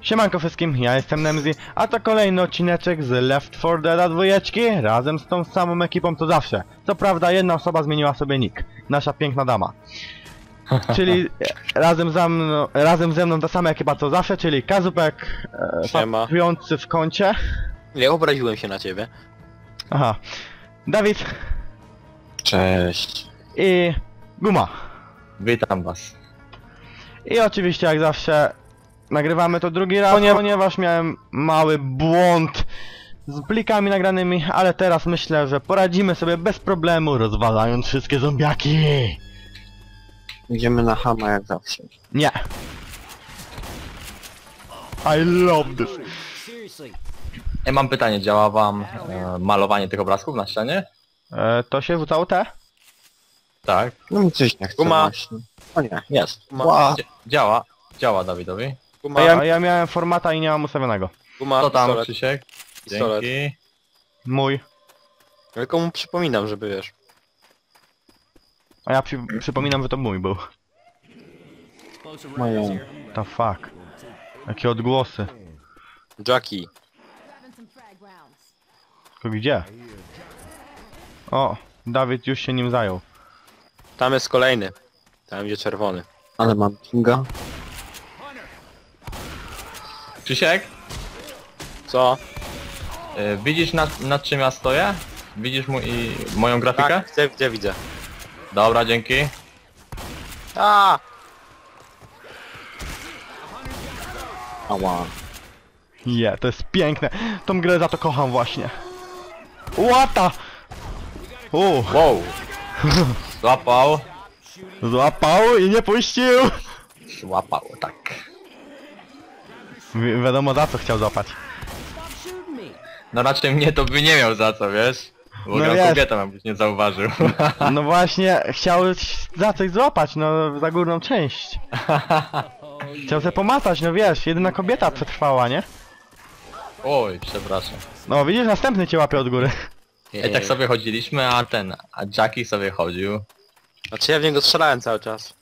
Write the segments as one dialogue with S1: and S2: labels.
S1: Siemanko wszystkim, ja jestem Nemzi, a to kolejny odcineczek z Left 4 Dead 2 razem z tą samą ekipą co zawsze. Co prawda jedna osoba zmieniła sobie nick, nasza piękna dama. Czyli razem ze mną ta sama ekipa co zawsze, czyli Kazupek, pracujący w kącie.
S2: Nie obraziłem się na ciebie.
S1: Aha. Dawid.
S3: Cześć.
S1: I Guma.
S3: Witam was.
S1: I oczywiście jak zawsze nagrywamy to drugi raz, ponieważ miałem mały błąd z plikami nagranymi, ale teraz myślę, że poradzimy sobie bez problemu, rozwalając wszystkie zombiaki.
S3: Idziemy na Hama jak zawsze.
S1: Nie. I love this.
S3: Ja mam pytanie, działa wam malowanie tych obrazków na ścianie?
S1: To się wrzucało te?
S3: Tak.
S4: No mi coś nie chce właśnie. O nie.
S3: Jest.
S4: Guma.
S3: Działa. Działa Dawidowi.
S2: Guma,
S1: A ja miałem formata i nie mam ustawionego.
S2: guma,
S3: Co tam,
S2: pistolet.
S3: Krzysiek?
S2: Pistolet.
S3: Dzięki.
S1: Mój.
S2: Tylko mu przypominam, żeby wiesz.
S1: A ja przypominam, że to mój był.
S4: Moje.
S1: The fuck. Jakie odgłosy.
S2: Jackie.
S1: To gdzie? O, Dawid już się nim zajął.
S2: Tam jest kolejny. Tam gdzie czerwony.
S4: Ale mam pinga.
S3: Krzysiek?
S2: Co?
S3: Widzisz nad czym ja stoję? Widzisz moją grafikę?
S2: Tak, widzę.
S3: Dobra, dzięki.
S2: A!
S4: Ała.
S1: To jest piękne. Tą grę za to kocham właśnie. Łata!
S3: Wow. Złapał.
S1: Złapał i nie puścił!
S3: Złapał, tak.
S1: Wiadomo za co chciał złapać.
S3: No raczej mnie to by nie miał za co, wiesz? Bo
S1: No
S3: no
S1: wiesz.
S3: kobietę jakbyś nie zauważył.
S1: No właśnie, chciał za coś złapać, no za górną część. Chciał se pomacać, no wiesz, jedyna kobieta przetrwała, nie?
S3: Oj, przepraszam.
S1: No widzisz, następny cię łapie od góry.
S3: I tak sobie chodziliśmy, a Jackie sobie chodził.
S2: Znaczy ja w niego strzelałem cały czas.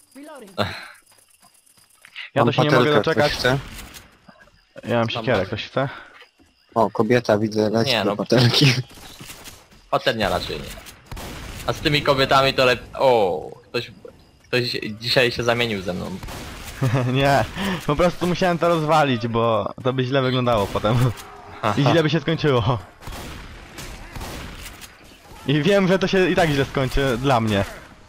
S1: Ja to
S4: Mam
S1: się nie mogę
S4: patelkę,
S1: doczekać.
S4: ktoś chce?
S1: Ja mam siekierę, ktoś chce?
S4: O, kobieta widzę, leci
S3: Nie,
S4: do
S3: no.
S4: patelki.
S3: Paternia raczej nie. A z tymi kobietami to lepiej... O, ktoś dzisiaj się zamienił ze mną.
S1: Nie, po prostu musiałem to rozwalić, bo to by źle wyglądało potem. I źle by się skończyło. I wiem, że to się i tak źle skończy dla mnie.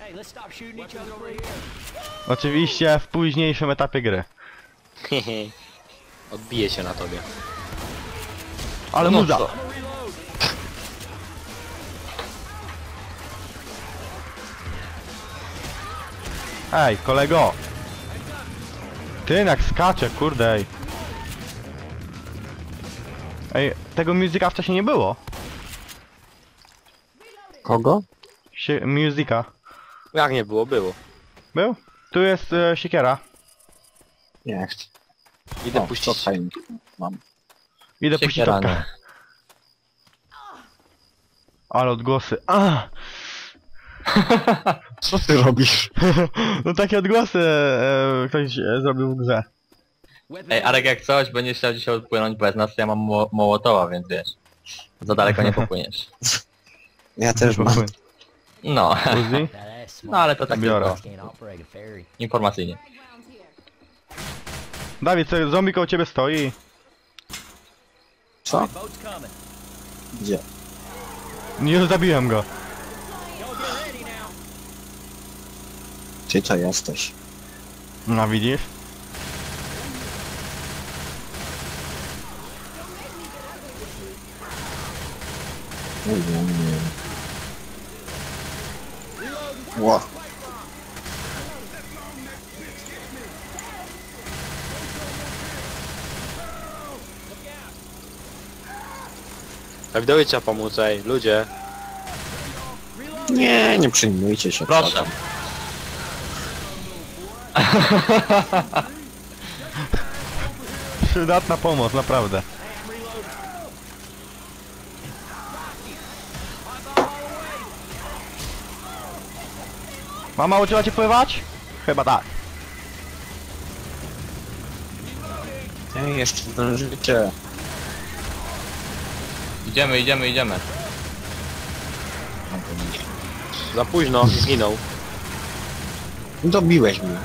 S1: Oczywiście w późniejszym etapie gry.
S2: Odbije się na tobie.
S1: Ale
S3: No
S1: muza!
S3: co?
S1: Ej, kolego! Ty jak skacze, kurde ej. Ej, tego muzyka wcześniej nie było.
S4: Kogo?
S1: Muzyka.
S2: Jak nie było? Było.
S1: Był? Tu jest siekiera.
S4: Nie chcę.
S2: Idę
S4: O,
S2: puścić.
S4: to fajnie. Mam.
S1: Idę puścić
S3: Siekiera,
S1: czapkę. Ale odgłosy.
S4: Co ty robisz?
S1: No takie odgłosy ktoś zrobił w grze.
S3: Ej, Arek, jak coś, będziesz chciał dzisiaj odpłynąć bez nas, to ja mam Mołotowa, więc wiesz. Za daleko nie popłyniesz.
S4: Ja też mam.
S3: No,
S1: Uzi?
S3: no ale to tak
S1: Biorę.
S3: tylko informacyjnie.
S1: Dawid, co, zombie koło ciebie stoi.
S4: Co? Gdzie?
S1: Nie zabiłem go.
S4: Ty to jesteś.
S1: No widzisz?
S4: Nie wiem. Ło.
S2: Dawidowi trzeba pomóc, ej, ludzie.
S4: Nie przejmujcie się.
S3: Proszę.
S1: Przydatna pomoc, naprawdę. Mama uczyła cię pływać? Chyba tak.
S4: Ej, jeszcze zdążycie.
S3: Idziemy, idziemy, idziemy.
S2: Za późno, zginął.
S4: Dobiłeś mnie.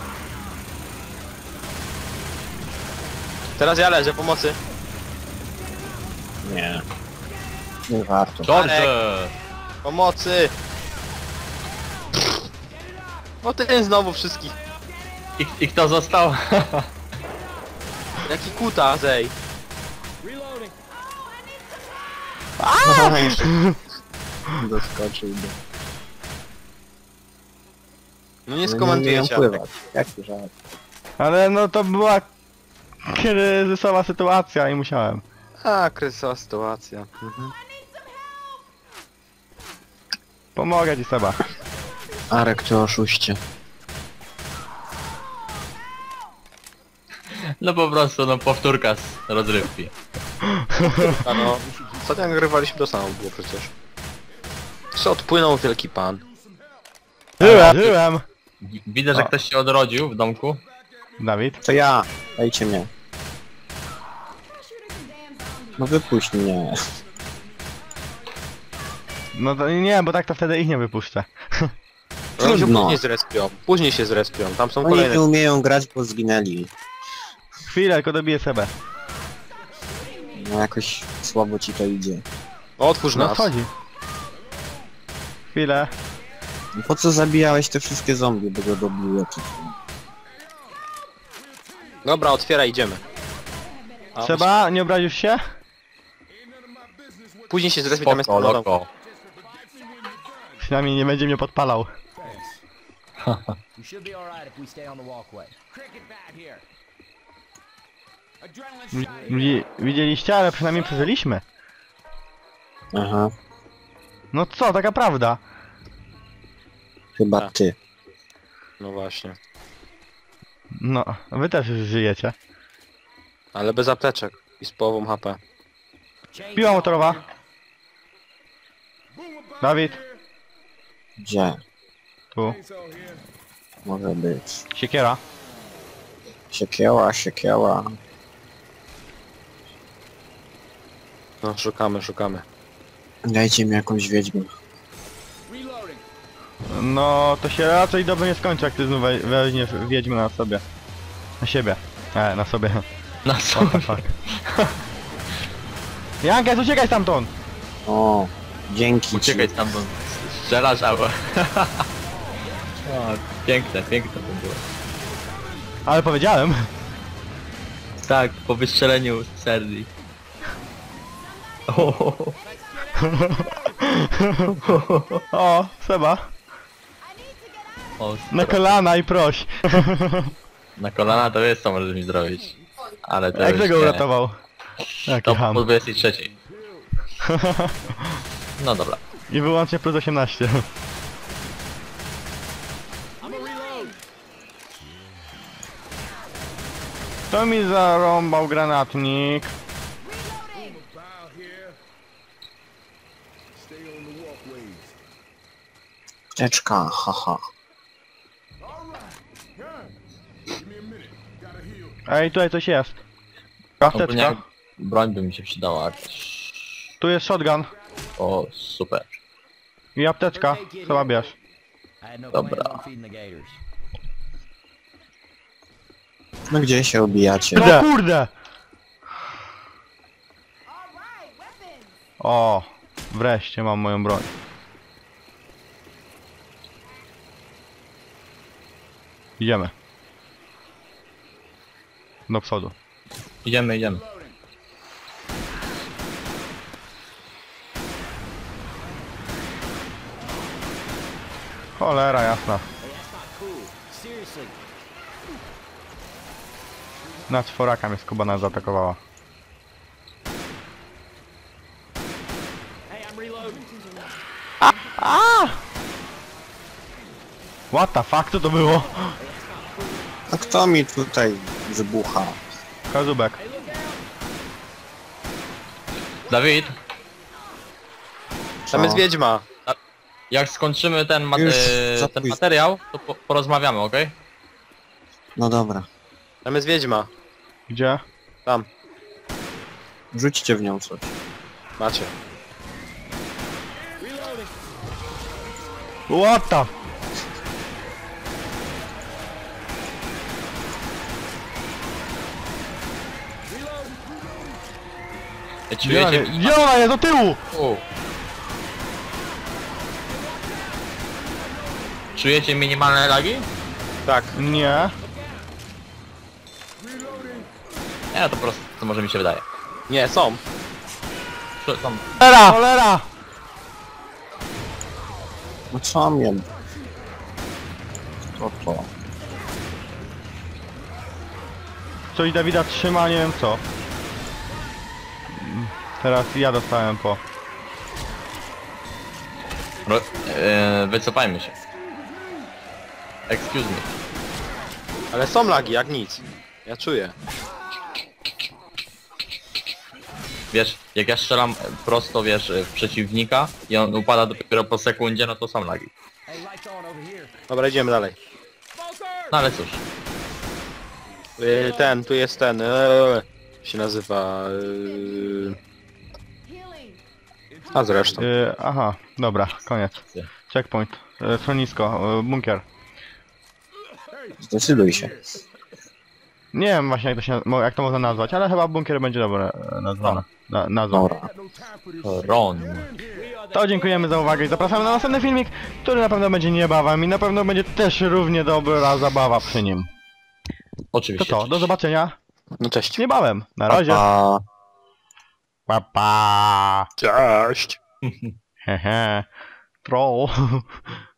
S2: Teraz ja leżę, pomocy.
S4: Nie. Nie warto.
S3: Dobrze!
S2: Pomocy! No ten znowu wszystkich.
S3: I kto został?
S2: Jaki kuta, zej.
S4: No, jeszcze doskoczył do...
S2: No nie
S4: Nie
S2: skomentujecie.
S4: umieją pływać. Jaki żart.
S1: Ale no to była kryzysowa sytuacja i musiałem.
S2: A, kryzysowa sytuacja. Mhm.
S1: Pomogę ci Seba.
S4: Arek, ty oszuście.
S3: No po prostu, no powtórka z rozrywki.
S2: A no, ostatnio nagrywaliśmy to samo było przecież. Co odpłynął wielki pan.
S1: Żyłem!
S3: Widzę, że
S1: O.
S3: ktoś się odrodził w domku.
S1: Dawid?
S4: To ja. Dajcie mnie. No wypuść mnie.
S1: No to nie, bo tak to wtedy ich nie wypuszczę.
S2: Oni się
S4: Trudno.
S2: później zrespią. Później się zrespią. Tam są
S4: Oni
S2: kolejne.
S4: nie umieją grać, bo zginęli.
S1: Chwilę, tylko dobiję Sebę.
S4: No jakoś słabo ci to idzie.
S2: Otwórz
S1: No
S2: nas.
S1: wchodzi. Chwilę.
S4: Po co zabijałeś te wszystkie zombie, by go dobiły?
S2: Dobra, otwieraj, idziemy. A,
S1: Seba, nie obrazisz się?
S2: Później się zrespią, tam jest
S3: Spoko,
S2: wodą.
S3: loko.
S1: Przynajmniej nie będzie mnie podpalał.
S5: We should be alright if we stay on the walkway.
S1: Widzieliście, ale przynajmniej przeżyliśmy.
S4: Aha,
S1: No co, taka prawda.
S4: chyba
S2: Tak.
S4: ty.
S2: No właśnie.
S1: No, wy też żyjecie.
S2: Ale bez apteczek. I z połową HP.
S1: Piła motorowa. Dawid,
S4: Gdzie?
S1: tu.
S4: Może być.
S1: Siekiera.
S4: Siekieła, siekieła.
S2: No, szukamy, szukamy.
S4: Dajcie mi jakąś wiedźmę.
S1: No, to się raczej dobrze nie skończy, jak ty znów weźmiesz wiedźmę na sobie. Na siebie. Na sobie.
S3: Na
S1: What the fuck. Jankes, uciekaj stamtąd!
S4: O, dzięki
S3: Uciekaj
S4: ci.
S3: stamtąd. Strzelasz, albo... O, piękne, piękne to było.
S1: Ale powiedziałem.
S3: Tak, po wystrzeleniu z Serdi.
S1: O, Seba.
S3: O,
S1: Na kolana i proś.
S3: na kolana to jest co możesz mi zrobić. Ale to
S1: Jak
S3: już
S1: tego
S3: nie.
S1: uratował? Jaki
S3: To
S1: ham.
S3: po 23. No dobra.
S1: I wyłącznie plus 18. Kto mi zarąbał granatnik?
S4: Teczka, haha.
S1: Ej, tutaj coś jest.
S3: Ogólnie
S1: Apteczka.
S3: broń by mi się przydała.
S1: Tu jest shotgun.
S3: O, super.
S1: I apteczka. Chyba bierz.
S5: I had no
S3: Dobra.
S5: plans on feeding the gators.
S4: No gdzie się obijacie?
S1: No kurde! O, wreszcie mam moją broń. Idziemy. Do przodu.
S3: Idziemy, idziemy.
S1: Cholera jasna.
S5: Seriously,
S1: Na czworaka mnie skubana zaatakowała.
S5: hey, I'm reloading.
S1: What the fuck, co to było?
S4: A kto mi tutaj wybucha?
S1: Kazubek.
S3: Dawid,
S2: Tam jest wiedźma.
S3: jak skończymy ten,
S4: Już za
S3: ten
S4: późno.
S3: materiał, to porozmawiamy, okej?
S4: No dobra.
S2: Tam jest wiedźma.
S1: Gdzie?
S2: Tam,
S4: Rzućcie w nią coś.
S2: macie.
S1: What the...
S3: Czujecie...
S1: Gdzie ona jest? Do tyłu!
S3: O. Czujecie minimalne lagi?
S2: Tak.
S1: Nie.
S3: Nie, to po prostu, to może mi się wydaje.
S2: Nie, są.
S3: Tam...
S1: Cholera! Cholera!
S4: No co mnie? To.
S1: Coś Dawida trzyma, nie wiem co. Teraz ja dostałem po...
S3: Wycofajmy się. Excuse me.
S2: Ale są lagi, jak nic. Ja czuję.
S3: Wiesz, jak ja strzelam prosto, wiesz, w przeciwnika i on upada dopiero po sekundzie, no to są lagi.
S5: Hey, lights on over here.
S2: Dobra, idziemy dalej.
S3: No ale cóż.
S2: Tu jest ten, się nazywa... A zresztą.
S1: Aha, dobra, koniec. Checkpoint. Schronisko, bunkier.
S4: Zdecyduj się.
S1: Nie wiem właśnie jak to można nazwać, ale chyba bunkier będzie dobre nazwane. Nazwa.
S4: Dobra.
S3: Ron.
S1: To dziękujemy za uwagę i zapraszamy na następny filmik, który na pewno będzie niebawem i na pewno będzie też równie dobra zabawa przy nim. To
S3: Oczywiście.
S1: co, do zobaczenia
S2: No cześć.
S1: niebawem. Na razie.
S4: Pa.
S1: Pa pa.
S2: Cześć.
S1: Hehe. Troll.